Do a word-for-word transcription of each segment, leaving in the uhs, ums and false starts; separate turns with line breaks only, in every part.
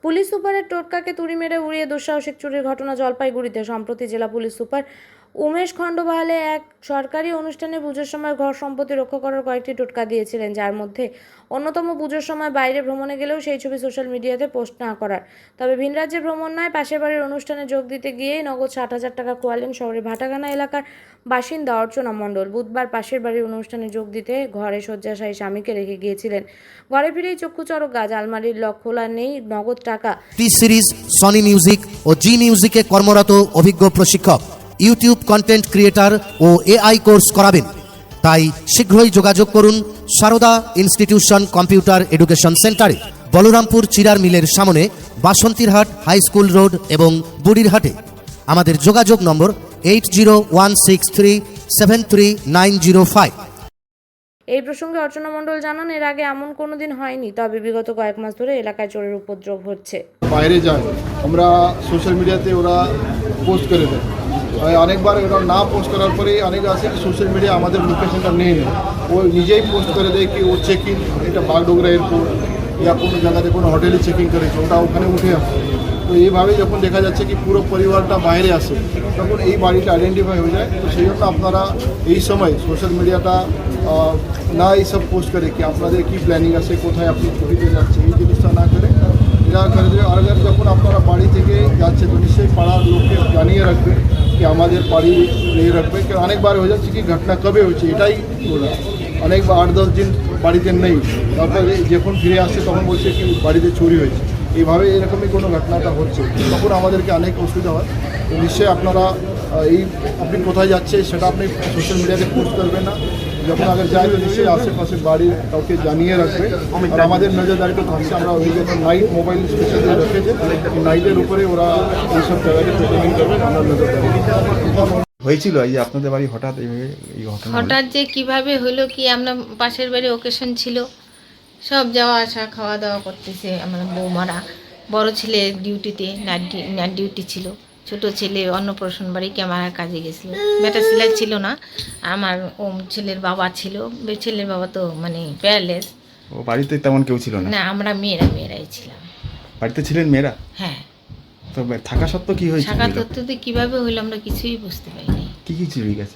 Police সুপারের টোটকাকে তুড়ি মেরে উড়িয়ে দুঃসাহসিক চুরির ঘটনা জলপাইগুড়িতে। সম্প্রতি জেলা পুলিশ সুপার উমেশ খণ্ডবাহালে এক সরকারি অনুষ্ঠানে পুজোর সময় ঘর সম্পত্তি রক্ষা করার কয়েকটি টোটকা দিয়েছিলেন, যার মধ্যে অন্যতম পুজোর সময় বাইরে ভ্রমণে গেলেও সেই ছবি সোশ্যাল মিডিয়াতে পোস্ট না করার। তবে ভিন রাজ্যে ভ্রমণ নয়, পাশের বাড়ির অনুষ্ঠানে যোগ দিতে গিয়েই নগদ ষাট হাজার টাকা খোয়ালেন শহরের ভাটাগানা এলাকার বাসিন্দা অর্চনা মণ্ডল। বুধবার পাশের বাড়ির অনুষ্ঠানে যোগ দিতে ঘরে শয্যাশায়ী স্বামীকে রেখে গিয়েছিলেন। ঘরে ফিরেই চক্ষু চড়ক গাছ, আলমারির লক খোলা নেই, নগদ টাকা।
টি সিরিজ, সনি মিউজিক ও জি মিউজিকে কর্মরত অভিজ্ঞ প্রশিক্ষক, ইউটিউব কন্টেন্ট ক্রিয়েটার ও এআই কোর্স করাবেন। তাই শীঘ্রই যোগাযোগ করুন সারদা ইনস্টিটিউশন কম্পিউটার এডুকেশন সেন্টারে, বলরামপুর চিরার মিলের সামনে, বাসন্তীরহাট হাই স্কুল রোড এবং বুড়িরহাটে। আমাদের যোগাযোগ নম্বর eight zero one six three seven three nine zero five.
এই প্রসঙ্গে অর্চনা মণ্ডল জানান, এর আগে এমন কোনো দিন হয়নি, তবে বিগত কয়েক মাস ধরে এলাকায় চোরের উপদ্রব হচ্ছে।
বাইরে যায়, আমরা সোশ্যাল মিডিয়াতে ওরা পোস্ট করে দেয়। অনেকবার ওরা না পোস্ট করার পরেই অনেক আছে কি সোশ্যাল মিডিয়া আমাদের লোকেশনটা নেই না, ও নিজেই পোস্ট করে দেয় কি ও চেকিং, এটা বাগডোগরা এয়ারপোর্ট या কোনো জায়গাতে কোনো হোটেলে চেকিং করেছে, ওটা ওখানে উঠে আসে। তো এইভাবে যখন দেখা যাচ্ছে কি পুরো পরিবারটা বাইরে আসে, তখন এই বাড়িটা আইডেন্টিফাই হয়ে যায়। তো সেই জন্য আপনারা এই সময় সোশ্যাল মিডিয়াটা না এইসব পোস্ট করে কি আপনাদের কী প্ল্যানিং আছে, কোথায় আপনি ছবিতে যাচ্ছে, এই জিনিসটা না করে এরা করে দেবে। আর যখন আপনারা বাড়ি থেকে যাচ্ছে তো নিশ্চয়ই পাড়ার লোককে জানিয়ে রাখবে कि আমাদের বাড়ি নিয়ে রাখবে। কারণ অনেকবার হয়ে যাচ্ছে কি ঘটনা কবে হয়েছে এটাই বলা, অনেকবার আট দশ দিন বাড়িতে নেই, তারপরে যখন ফিরে আসছে তখন বলছে কি বাড়িতে চুরি হয়েছে। এইভাবে এরকমই কোনো ঘটনাটা হচ্ছে, তখন আমাদেরকে অনেক অসুবিধা হয়। তো নিশ্চয়ই আপনারা এই আপনি কোথায় যাচ্ছে সেটা আপনি সোশ্যাল মিডিয়াতে পোস্ট করবেন না, যখন আগে যায় তো নিশ্চয়ই আশেপাশে বাড়ির কাউকে জানিয়ে রাখবে। আর আমাদের নজরদারিতে থাকছে, আমরা ওই যখন নাইট মোবাইল স্পেশালি রেখেছে, নাইটের উপরে ওরা এইসব জায়গাকে পেট্রোলিং করবে, আমরা নজরদারি
হয়েছিল। এই যে আপনাদের বাড়ি হঠাৎ এইভাবে এই ঘটনা
হঠাৎ যে কিভাবে হলো কি, আমরা পাশের বাড়ি ওকেশন ছিল, সব যাওয়া আসা খাওয়া দাওয়া করতেছে আমার বৌমারা। বড় ছেলে ডিউটিতে নাইট নাইট ডিউটি ছিল, ছোট ছেলে অন্নপ্রাশন বাড়ি ক্যামেরার কাজে গেছিলো, বেটা ছেলে ছিল না। আমার ও ছেলের বাবা ছিল, ছেলের বাবা তো মানে প্যারালেস।
ও বাড়িতে তেমন কেউ ছিল না?
না, আমরা মেয়েরা মেয়েরাই ছিলাম।
বাড়িতে ছিলেন মেয়েরা?
হ্যাঁ।
তো থাকা সত্ত্বেও কি হয়েছে?
থাকা সত্ত্বেও কীভাবে হইলো আমরা কিছুই বুঝতে পারিনি।
কি কি চুরি গেছে?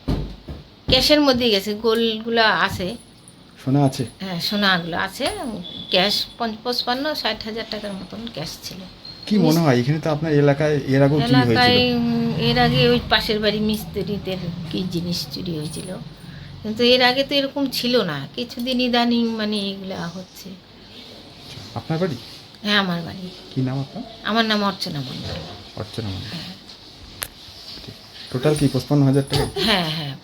ক্যাশের মধ্যেই গেছে, গোলগুলো আছে,
সোনা আছে?
হ্যাঁ, সোনাগুলো আছে। ক্যাশ পঞ্চান্ন ষাট হাজার টাকার মতন ক্যাশ ছিল।
কি মনে হয় এখানে তো আপনার এলাকায় এর আগেও চুরি হয়েছিল?
এলাকায় এর আগে ওই পাশের বাড়ি মিস্ত্রিদের কি জিনিস চুরি হয়েছিল, কিন্তু এর আগে তো এরকম ছিল না। কিছুদিন ইদানিং মানে এগুলা হচ্ছে।
আপনার বাড়ি?
হ্যাঁ, আমার বাড়ি।
কি নাম আপনার?
আমার নাম অর্চনা মণ্ডল।
অর্চনা মণ্ডল। টোটাল কি পঁচপান্ন হাজার টাকা?
হ্যাঁ হ্যাঁ,